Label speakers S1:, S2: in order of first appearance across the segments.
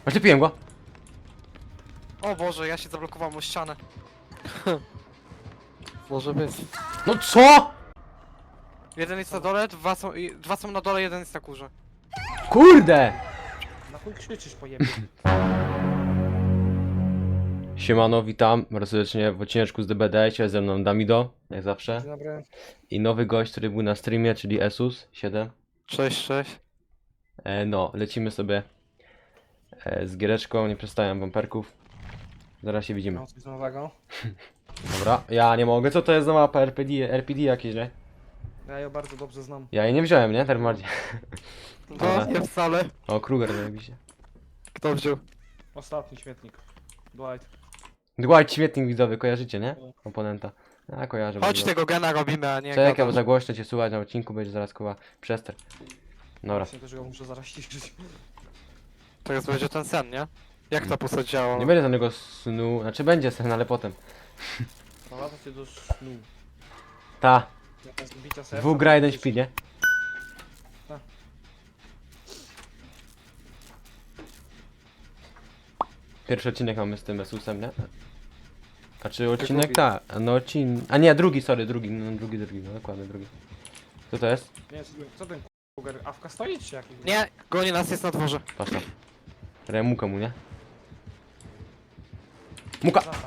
S1: Oślepiłem go.
S2: O Boże, ja się zablokowałem o ścianę. Może być.
S1: No co?
S2: Jeden jest na dole, dwa są na dole, jeden jest na górze.
S1: Kurde!
S3: Na chuj krzyczysz, pojebie.
S1: Siemano, witam bardzo serdecznie w odcineczku z DBD. Dzisiaj ze mną Damido, jak zawsze.
S3: Dzień dobry.
S1: I nowy gość, który był na streamie, czyli Esus7.
S2: Cześć, cześć.
S1: No, lecimy sobie z giereczką, nie przestawiam bumperków. Zaraz się widzimy.
S3: Mam coś nowego.
S1: Dobra, ja nie mogę, co to jest za mapa RPD jakieś, nie?
S3: Ja ją bardzo dobrze znam.
S1: Ja jej nie wziąłem, nie? Tym bardziej.
S2: No, nie wcale.
S1: O, Kruger zajebiście.
S2: Kto wziął?
S3: Ostatni śmietnik. Dwight.
S1: Dwight, śmietnik widzowy, kojarzycie, nie? Komponenta. A, kojarzę.
S2: Chodź
S1: bardzo.
S2: tego gena robimy, a nie
S1: Czekaj, bo
S2: gadasz.
S1: za głośno cię słuchać na odcinku, będzie zaraz koła przester. Dobra.
S3: Właśnie też go muszę zaraz ciszyć.
S2: Teraz będzie ten sen, nie? Jak ta postać działa?
S1: Nie będzie żadnego snu, znaczy będzie sen, ale potem.
S3: Prowadza cię do snu.
S1: Ta,
S3: Jakaś bicia serca.
S1: dwóch gra, jeden śpi, nie?
S3: Tak.
S1: Pierwszy odcinek mamy z tym Esusem, nie? A czy odcinek?
S2: drugi.
S1: Tak, no odcinek. A nie, drugi, sorry, drugi, no drugi, no dokładnie, drugi. Co to jest?
S3: Nie, co ten kuger? Awka stoi czy jaki?
S2: Nie, goni nas, jest na dworze.
S1: Patrz tam. Remuka mu, nie? Muka!
S3: Zatak.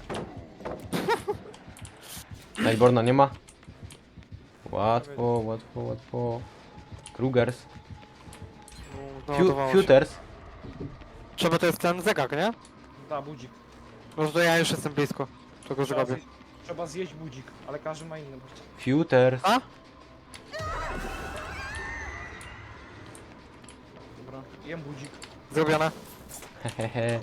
S1: Najborna nie ma? Łatwo, łatwo, łatwo. Krugers.
S2: No, naładowało się.
S1: Futers.
S2: Trzeba to jest ten zegar, nie?
S3: Da, budzik.
S2: No to ja już jestem blisko. Czego
S3: Trzeba,
S2: zrobię.
S3: trzeba zjeść budzik, ale każdy ma inny budzik.
S1: Futers.
S2: A?
S3: Dobra, jem budzik.
S2: Zrobione.
S1: Hehehe.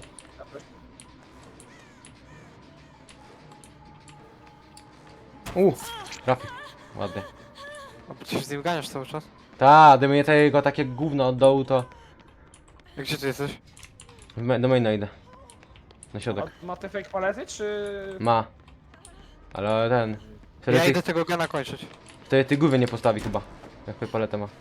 S1: Trafi. Ładnie.
S2: A ty się z nim ganiasz cały czas?
S1: Ta, gdyby nie tego takie gówno od dołu, to
S2: Gdzie ty jesteś?
S1: do maina idę. Na środek.
S3: A ma te fake palety, czy...
S1: Ma. Ale ten. Wtedy
S2: Ja
S1: ty,
S2: idę tego gena kończyć.
S1: wtedy ty głowy nie postawi chyba. Jak paletę ma.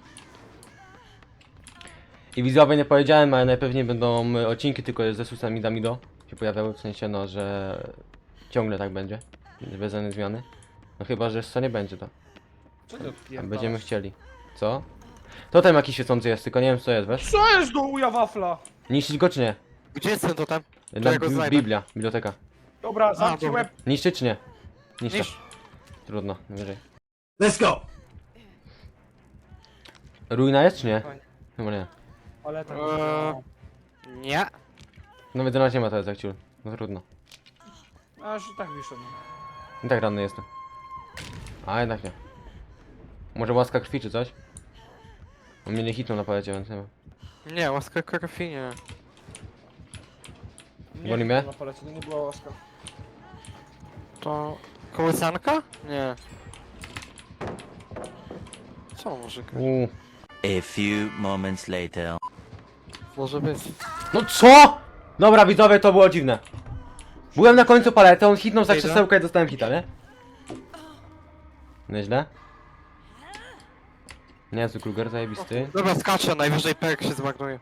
S1: I widzowie nie powiedziałem, ale najpewniej będą odcinki tylko ze Susami Damido się pojawiały, w sensie no, że ciągle tak będzie. Bez żadnej zmiany. No chyba, że co nie będzie to.
S3: Co ty
S1: A
S3: odpierdalasz?
S1: będziemy chcieli. Co? To tam jakiś świecący jest, tylko nie wiem co jest, wiesz?
S3: Co jest do uja wafla?
S1: Niszczyć go czy nie?
S2: Gdzie jest ten totem?
S1: Na
S2: ja go znajdę.
S1: Biblia, biblioteka.
S3: Dobra, zamknij
S2: dobra.
S3: łeb.
S1: Niszczyć czy nie? Niszczę.
S2: Niż...
S1: Trudno, wyżej.
S4: Let's go!
S1: Ruina jest czy nie? Chyba nie.
S3: Ale tak.
S2: Nie.
S1: No więc na nie ma teraz jak ciul. No trudno.
S3: Aż i tak wyszedł.
S1: I tak ranny jestem. A jednak nie. Może łaska krwi czy coś? On mnie nie hitnął na palecie, więc nie wiem.
S2: Nie, łaska krwi nie.
S1: Goni mnie?
S3: Na palecie, nie była łaska.
S2: To... Kołysanka? Nie. Co może grać?
S5: A few moments later.
S2: Może być.
S1: No co?! Dobra widzowie, to było dziwne. Byłem na końcu palety, on hitnął za
S2: Idę.
S1: krzesełkę i dostałem hita, nie? Nieźle. Niezły Kruger, zajebisty.
S2: Dobra, skaczę, najwyżej perk się zmarnuje.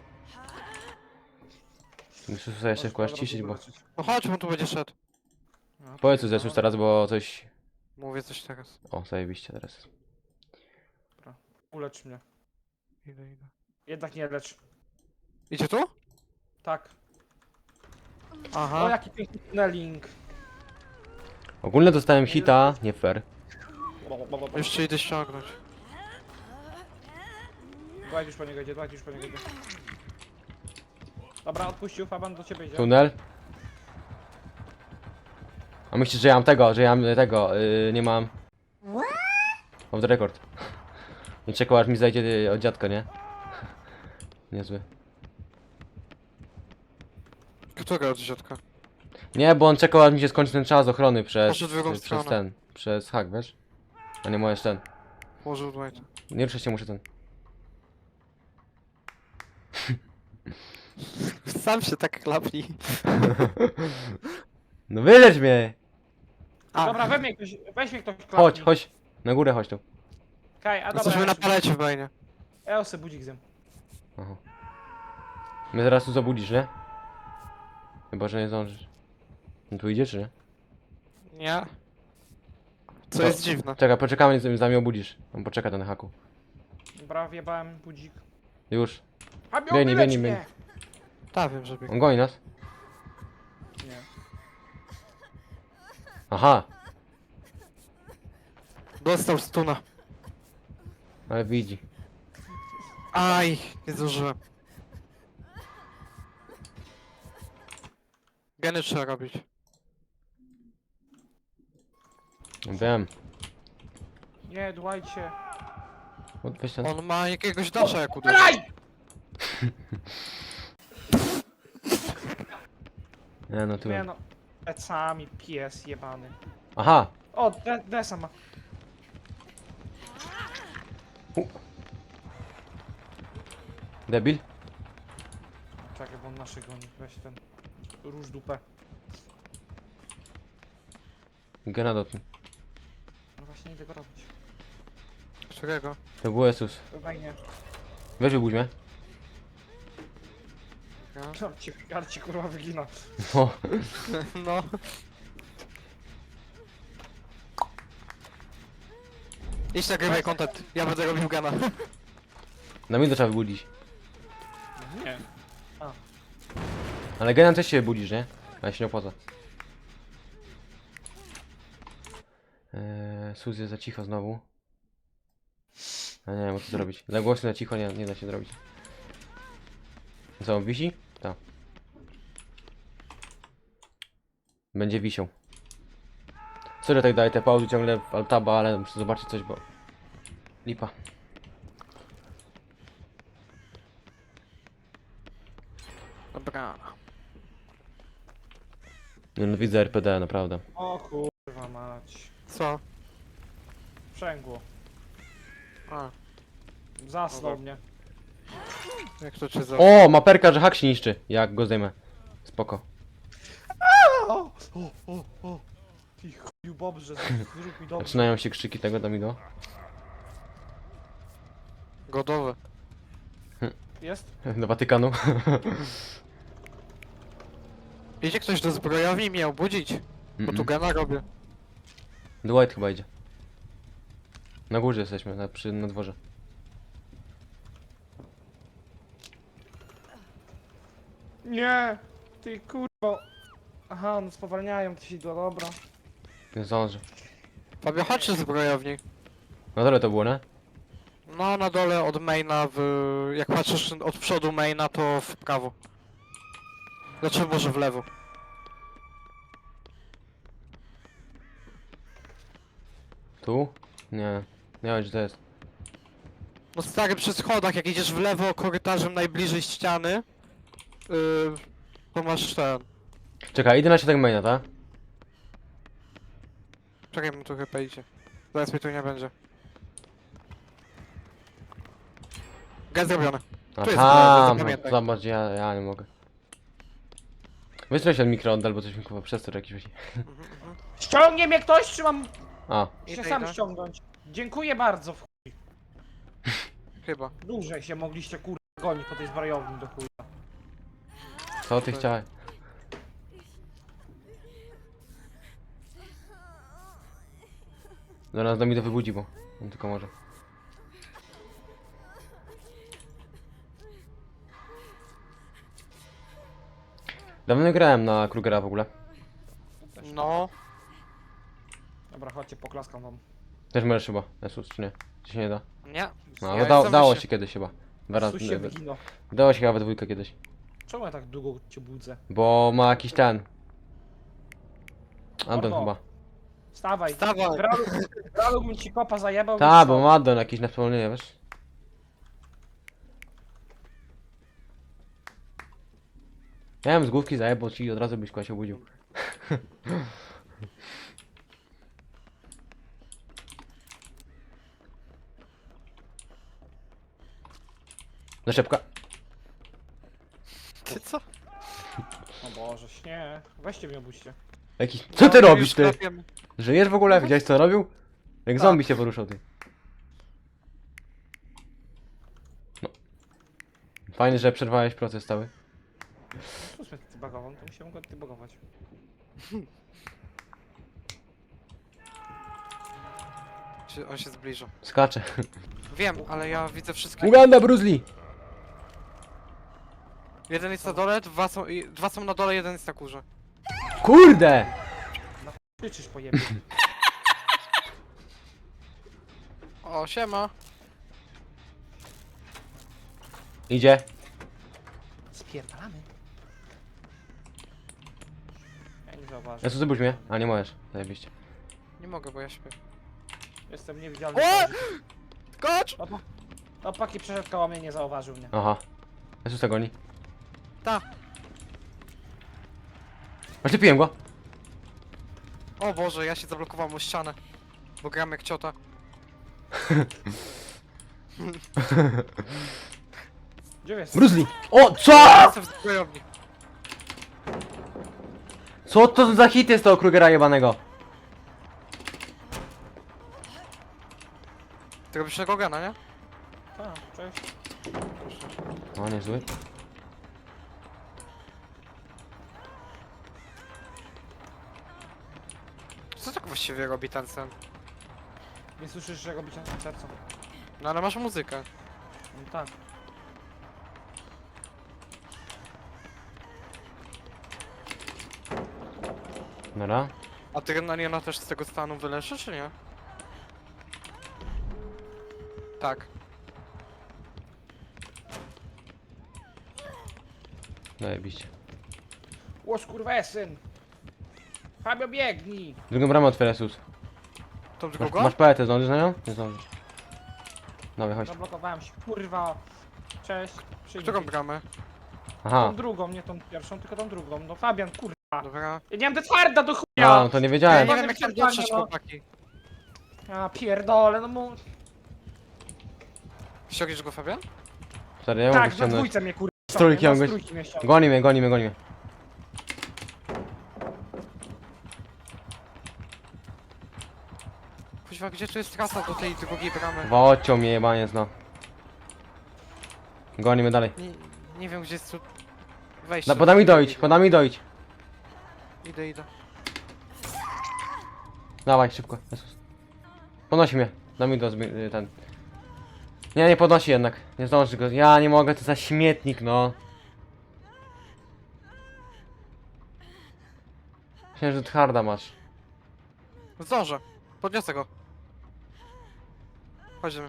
S1: Muszę sobie się kłaść ciszyć, bo...
S2: No chodź, on tu będzie szedł.
S1: Powiedz co zeszłeś teraz, bo coś...
S2: Mówię coś teraz.
S1: O, zajebiście teraz.
S3: Ulecz mnie.
S2: Idę.
S3: Jednak nie lecz.
S2: Idzie tu?
S3: Tak. O,
S2: Aha.
S3: jaki piękny tunneling.
S1: Ogólnie dostałem hita, nie fair.
S2: Jeszcze idę ściągnąć.
S3: Dwight już po niego idzie, Dwight już po niego idzie. Dobra, odpuścił, Faban do ciebie idzie.
S1: Tunel. A myślisz, że ja mam tego, nie mam... Off the record. Nie czekał aż mi zajdzie od dziadka, nie? Niezły.
S2: Która od dziadka?
S1: Nie, bo on czekał aż mi się skończy ten czas ochrony
S2: Poszedł w drugą
S1: przez
S2: stronę.
S1: ten, przez hack, wiesz? A nie możesz ten.
S2: Położył Dwight.
S1: Nie ruszaj się, muszę ten.
S2: Sam się tak klapni.
S1: No wylecz mnie!
S2: A,
S3: Dobra, weź mnie ktoś klapnij.
S1: Chodź, chodź. Na górę chodź tu.
S3: Kaj, a dobra,
S2: jesteśmy
S3: ja
S2: na
S3: się-
S2: palecie w mainie.
S3: ja sobie budzik zjem.
S1: Aha. Mnie zaraz tu zabudzisz, nie? Chyba, że nie zdążysz. No tu idzie, czy nie?
S2: Nie. Co
S1: To-
S2: jest dziwne.
S1: Czekaj, poczekamy, zanim mnie obudzisz. On poczeka ten haku.
S3: Dobra, wjebałem budzik.
S1: Już.
S3: Fabio,
S1: Biegnie,
S3: wyleć
S1: biegnie,
S3: mnie!
S1: biegnie.
S2: Tak, wiem, że bieg.
S1: On goni nas.
S3: Nie.
S1: Aha,
S2: Dostał stuna.
S1: ale widzi.
S2: Aj, nie zdążyłem. Geny trzeba robić.
S1: Wiem.
S3: Nie, dłajcie.
S1: Weź ten.
S2: On ma jakiegoś dasza jak uderzył.
S3: Dalej!
S1: Nie, no tu.
S3: Nie no. Plecami, pies jebany.
S1: Aha!
S3: O, Desa ma.
S1: Debil?
S3: Czekaj, bo on naszy goni. Weź ten. Róż dupę.
S1: Gena dotknij.
S3: No właśnie, nie tego robić.
S2: Którego?
S1: To był Jezus.
S3: To fajnie.
S1: Weź wybudź mnie.
S2: Ja?
S3: Karci kurwa wygina.
S1: O,
S2: No. Idź nagrywaj content, ja będę robił gana.
S1: na mnie to trzeba wybudzić.
S3: Nie.
S1: Ale Genem też się budzisz, nie? Ale się nie opłaca. Suz jest za cicho znowu. A nie wiem, co zrobić. Za głośno, za cicho nie da się zrobić. Co, on wisi? Tak. Będzie wisiał. Sorry, tak daję te pauzy ciągle w altaba, ale muszę zobaczyć coś, bo... Lipa.
S2: Dobra.
S1: Nie no, widzę RPD, naprawdę.
S3: O kurwa mać.
S2: Co?
S3: Sprzęgło.
S2: A,
S3: Zasnął
S2: Dobra.
S3: mnie.
S2: jak to cię za...
S1: O, maperka, że hak się niszczy. Jak go zdejmę. Spoko.
S3: O. Ty chuju Bobrze, zrób mi dobrze.
S1: Zaczynają się krzyki tego Damido.
S2: Godowe.
S3: Jest?
S1: Do Watykanu.
S2: Idzie ktoś do zbrojowni i mnie obudzić? Bo tu gana robię.
S1: Dwight chyba idzie. Na górze jesteśmy, na dworze.
S3: Nie! Ty kurwa. Aha, no spowalniają ci do dobra.
S1: Nie zdąży.
S2: Fabio, chodź do zbrojowni.
S1: Na dole to było, nie?
S2: No, na dole od maina jak patrzysz od przodu maina, to w prawo. Znaczy może w lewo.
S1: Tu? Nie. Nie wiem, gdzie to jest.
S2: No stary, przy schodach, jak idziesz w lewo korytarzem najbliżej ściany, to masz ten...
S1: Czekaj, idę na środek maina, tak?
S2: Czekaj, mu tu chyba idzie. Zaraz mnie tu nie będzie. Gaz zrobiony. jest
S1: Aha,
S2: zbrojownia, zapamiętaj.
S1: zobacz, ja nie mogę. Wystrzel się od mikro albo coś mi chyba przestor jakiś właśnie.
S3: Ściągnie mnie ktoś, czy mam
S1: A,
S3: się
S2: Idę,
S3: sam
S2: idę.
S3: ściągnąć? Dziękuję bardzo.
S2: Chyba.
S3: Dłużej się mogliście kurwa gonić po tej zbrojowni do chuja.
S1: co ty chciałeś? Zaraz do mnie to wybudzi, bo on tylko może. Dawno nie grałem na Krugera w ogóle.
S2: No.
S3: Dobra, chodźcie, poklaskam wam.
S1: Też możesz chyba, Jesus, czy nie? Czy się nie da?
S2: Nie.
S1: No,
S2: Ja
S1: dało
S2: jestem
S1: się
S2: wyższy.
S1: kiedyś chyba. Dwa razy,
S3: Sus się wygino.
S1: dało się chyba we dwójkę kiedyś.
S3: Czemu ja tak długo cię budzę?
S1: Bo ma jakiś ten. Addon
S3: Mordo.
S1: chyba.
S3: Wstawaj.
S2: Wstawaj.
S3: Gralu bym ci kopa zajebał.
S1: Ta,
S3: i
S1: bo
S3: co?
S1: ma addon jakiś na wspomnienie, wiesz? Ja bym z główki zajebał ci i od razu byś kogoś obudził. Zaszepka.
S2: Ty co?
S3: O Boże, nie. Weźcie mnie obudźcie.
S1: Jakiś... Co ty
S2: No,
S1: robisz,
S2: już
S1: ty?
S2: klepiemy.
S1: Żyjesz w ogóle? Widziałeś co robił? Jak
S2: Tak.
S1: zombie się poruszał, ty. No. Fajnie, że przerwałeś proces cały.
S3: Cóż mnie ty bagował, to musiałem go ty bagować.
S2: On się zbliża.
S1: Skacze.
S2: Wiem, ale ja widzę wszystkie.
S1: Uganda, Bruce Lee!
S2: Jeden jest na dole, dwa są na dole, jeden jest na górze.
S1: Kurde!
S3: Krzyczysz po jebie.
S2: O, siema.
S1: Idzie.
S3: Spierdalamy. Ja nie zauważę.
S1: Jezu, zobacz mnie. A nie możesz. Zajebiście.
S2: Nie mogę, bo ja śpię.
S3: Jestem niewidzialny.
S2: O! Skocz!
S3: Opaki przeszedł koło mnie, nie zauważył mnie.
S1: Aha. Jezusa goni.
S2: Ta.
S1: Oślepiłem go.
S2: O Boże, ja się zablokowałem o ścianę. Bo gram jak ciota.
S3: Gdzie jest?
S1: Bruce Lee! O, co?!
S2: Jestem w zbrojowni.
S1: Co to za hit jest tego Krugera jebanego?
S2: Ty robisz tego gana, nie?
S3: A, cześć.
S1: O, niezły.
S2: Co tak właściwie robi ten sen?
S3: Nie słyszysz, że robicie na sercu?
S2: No ale masz muzykę.
S3: No tak.
S1: Dobra.
S2: A ty Renaliona też z tego stanu wyleszy, czy nie? Tak.
S1: Zajebiście.
S3: Łoż kurwa syn! Fabio biegnij!
S1: Drugą bramę otwiera Jezus.
S2: To tylko
S1: Masz,
S2: go?
S1: masz paletę, zdążysz na nią? Nie zdążysz. Dobra, chodź.
S3: Zablokowałem się, kurwa. Cześć. Przyjmij.
S2: Którą bramę?
S1: Aha.
S3: Tą drugą, nie tą pierwszą, tylko tą drugą. No Fabian, kurwa.
S2: Dobra.
S3: Ja nie mam twarda do
S1: A,
S3: chuja!
S1: no to nie
S2: Ja
S1: wiedziałem.
S2: nie wiem jak tam dotrzeć,
S3: no.
S2: chłopaki.
S3: Ja pierdolę, no mu...
S2: Ściągniesz go, Fabian?
S1: Stary, ja mogę
S3: Tak, na
S1: ściągnąć.
S3: dwójce mnie kurwa.
S1: Z trójki
S3: na
S1: mogę-
S3: trójki mnie ściągnął.
S1: Goni mnie, goni mnie, goni mnie.
S2: Kuźwa, gdzie tu jest trasa do tej drugiej bramy?
S1: Wociął mnie jebaniec, no. Goni mnie dalej.
S2: Nie wiem, gdzie jest tu... Wejście.
S1: No, podam mi dojść, podam mi dojść.
S2: Idę.
S1: Dawaj, szybko, Jezus. Podnosi mnie. Dam mi do ten. Nie, nie podnosi jednak. Nie zdąży go. Ja nie mogę, to za śmietnik, no. Myślałem, że twarda masz.
S2: Zdążę. Podniosę go. Chodźmy.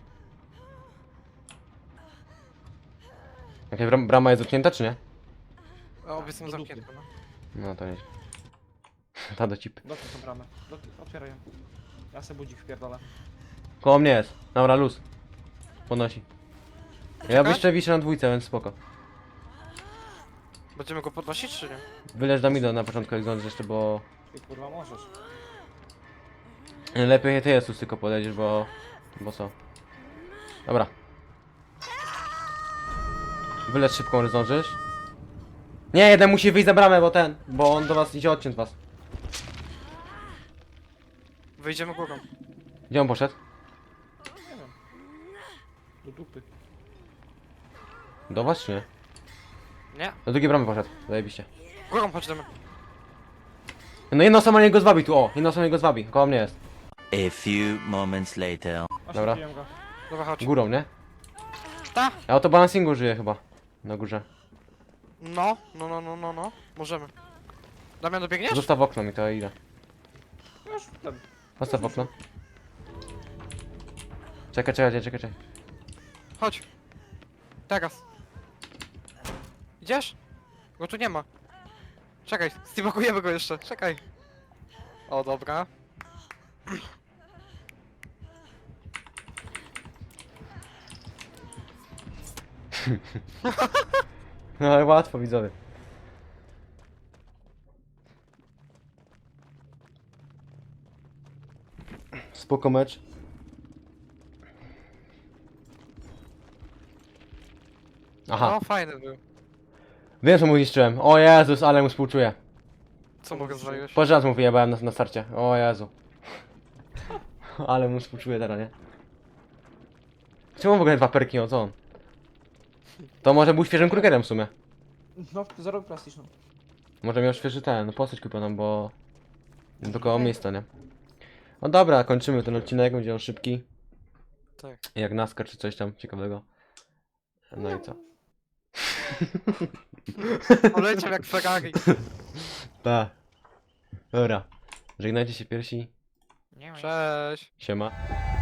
S1: Jakaś brama jest zamknięta, czy nie?
S2: Obie są
S3: do dupy.
S2: zamknięte, no.
S1: No to nie. Ta do cipy.
S3: Dotknij tą bramę. Otwieraj ją. Ja se budzik wpierdolę.
S1: Koło mnie jest. Dobra, luz. Podnosi. Ja
S2: Czekaj.
S1: jeszcze wiszę na dwójce, więc spoko.
S2: Będziemy go podnosić, czy nie?
S1: Wyleż do Mido na początku, jak zdążysz jeszcze, bo...
S3: Ty kurwa możesz.
S1: Lepiej ty Jezus tylko podejdziesz, bo... Bo co? Dobra. Wylecz szybko, że zdążysz. Nie, jeden musi wyjść za bramę, bo ten... Bo on do was idzie odciąć was.
S2: Wyjdziemy górą.
S1: Gdzie on poszedł?
S3: Nie wiem. Do dupy.
S1: Do was czy nie?
S2: Nie.
S1: Do drugiej bramy poszedł. Zajebiście.
S2: Górą chodźmy.
S1: No jedna osoba niego zwabi tu, o! Jedna osoba niego zwabi, koło mnie jest.
S5: A few moments later.
S1: Dobra.
S3: Oślepiłem go.
S2: Dobra, chodź.
S1: Górą, nie?
S2: Ta!
S1: Ja autobalancingu żyję chyba. Na górze.
S2: No. Możemy. Damian, dobiegniesz?
S1: Zostaw okno mi, to ja idę.
S3: No już ten.
S1: Zostaw okno. Czekaj.
S2: Chodź. Teraz. Idziesz? Go tu nie ma. Czekaj, stibakujemy go jeszcze. Czekaj. O, dobra.
S1: No ale łatwo widzowie. Spoko mecz. Aha,
S2: No, fajny był.
S1: wiem co mu niszczyłem. O Jezus, ale mu współczuję.
S2: Co mogę zwaliłeś?
S1: Po raz mu wyjebałem na starcie. O Jezu. Ale mu współczuję teraz, nie? Czemu w ogóle dwa perki, o co on? To może był świeżym krugerem w sumie.
S3: No, zero plastyczną.
S1: Może miał świeży ten, no postać kupioną, bo... Do koło miejsca, nie? No dobra, kończymy ten odcinek, będzie on szybki.
S2: Tak.
S1: Jak NASCAR czy coś tam ciekawego. No i co?
S2: Poleciał jak Ferrari.
S1: Tak. Dobra. Żegnajcie się piersi.
S2: Cześć.
S1: Siema.